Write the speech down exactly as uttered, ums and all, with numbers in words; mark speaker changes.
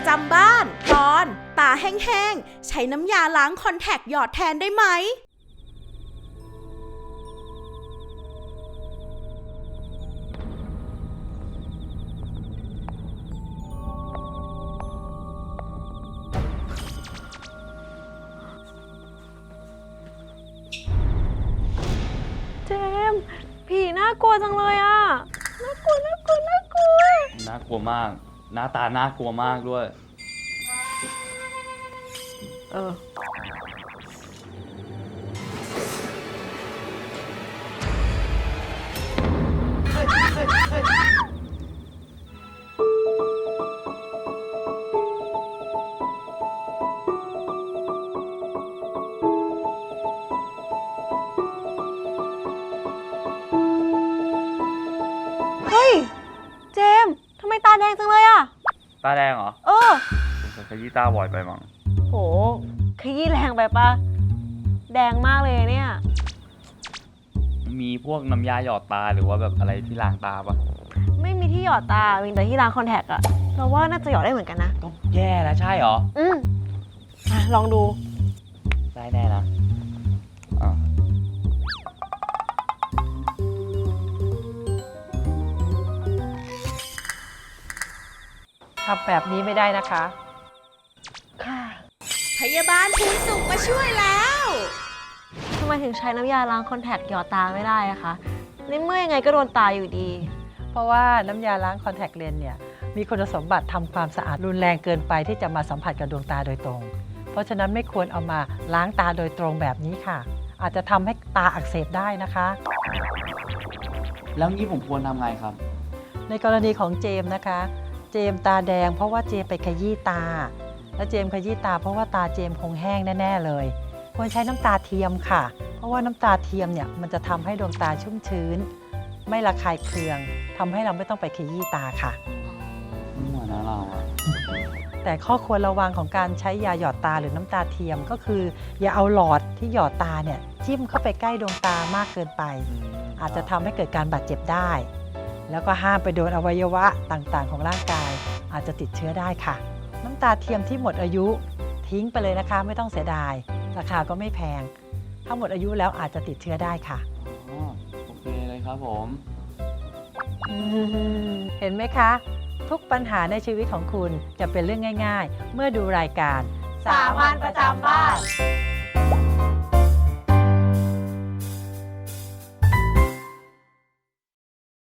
Speaker 1: จำบ้านตอนตาแห้งๆใช้น้ำยาล้างคอนแทคหยอดแทนได้ไหม
Speaker 2: เจมส์ผีน่ากลัวจังเลยอ่ะน่ากลัวน่ากลัวน่ากลัว
Speaker 3: น่ากลัวมากหน้าตาน่ากลัวมากด้วย
Speaker 2: เออเฮ้ยเจมส์ทำไมตาแดงจังเลยอ่ะ
Speaker 3: ตาแดงเหรอ
Speaker 2: เออ
Speaker 3: ผมขยี้ตาบ่อยไปมั้ง
Speaker 2: โหขยี้แรงไปปะแดงมากเลยเนี่ย
Speaker 3: มีพวกน้ำยาหยอดตาหรือว่าแบบอะไรที่ล้างตาปะ
Speaker 2: ไม่มีที่หยอดตา มีแต่ที่ล้างคอนแทคอะเราว่าน่าจะหยอดได้เหมือนกันนะ
Speaker 3: ก็แย่แล้วใช่เหรอ
Speaker 2: อืมอ่ะลองดู
Speaker 3: ได้แน่นะอ่ะ
Speaker 4: ทำแบบนี้ไม่ได้นะคะ
Speaker 2: ค่ะ
Speaker 1: พยาบาลภูนสุขมาช่วยแล้ว
Speaker 2: ทำไมถึงใช้น้ำยาล้างคอนแทคหยอดตาไม่ได้อะคะในเมื่อยังไงก็โดนตาอยู่ดี
Speaker 4: เพราะว่าน้ำยาล้างคอนแทคเลนส์เนี่ยมีคุณสมบัติทำความสะอาดรุนแรงเกินไปที่จะมาสัมผัสกับดวงตาโดยตรง เพราะฉะนั้นไม่ควรเอามาล้างตาโดยตรงแบบนี้ค่ะ อาจจะทำให้ตาอักเสบได้นะคะ
Speaker 3: แล้วงี้ผมควรทำไงครับ
Speaker 4: ในกรณีของเจมส์นะคะ เจมส์ตาแดงเพราะว่าเจมส์ไปขยี้ตา และเจมส์ขยี้ตาเพราะว่าตาเจมส์คงแห้งแน่ๆเลย ควรใช้น้ำตาเทียมค่ะ เพราะว่าน้ำตาเทียมเนี่ยมันจะทำให้ดวงตาชุ่มชื้น ไม่ระคายเคืองทำให้เราไม่ต้องไปขยี้ตาค่ะ
Speaker 3: ไม่เหมือนนะเราอะ
Speaker 4: แต่ข้อควรระวังของการใช้ยาหยอดตาหรือน้ำตาเทียมก็คือ อย่าเอาหลอดที่หยอดตาเนี่ยจิ้มเข้าไปใกล้ดวงตามากเกินไป อาจจะทำให้เกิดการบาดเจ็บได้ แล้วก็ห้ามไปโดนอวัยวะต่างๆของร่างกาย อาจจะติดเชื้อได้ค่ะ น้ำตาเทียมที่หมดอายุทิ้งไปเลยนะคะไม่ต้องเสียดายราคาก็ไม่แพงถ้าหมดอายุแล้วอาจจะติดเชื้อได้ค่ะ
Speaker 3: อ๋อโอเคเลยครับผม
Speaker 4: เห็นไหมคะ ทุกปัญหาในชีวิตของคุณจะเป็นเรื่องง่ายๆ เมื่อดูรายการ
Speaker 2: สามัญประจำบ้าน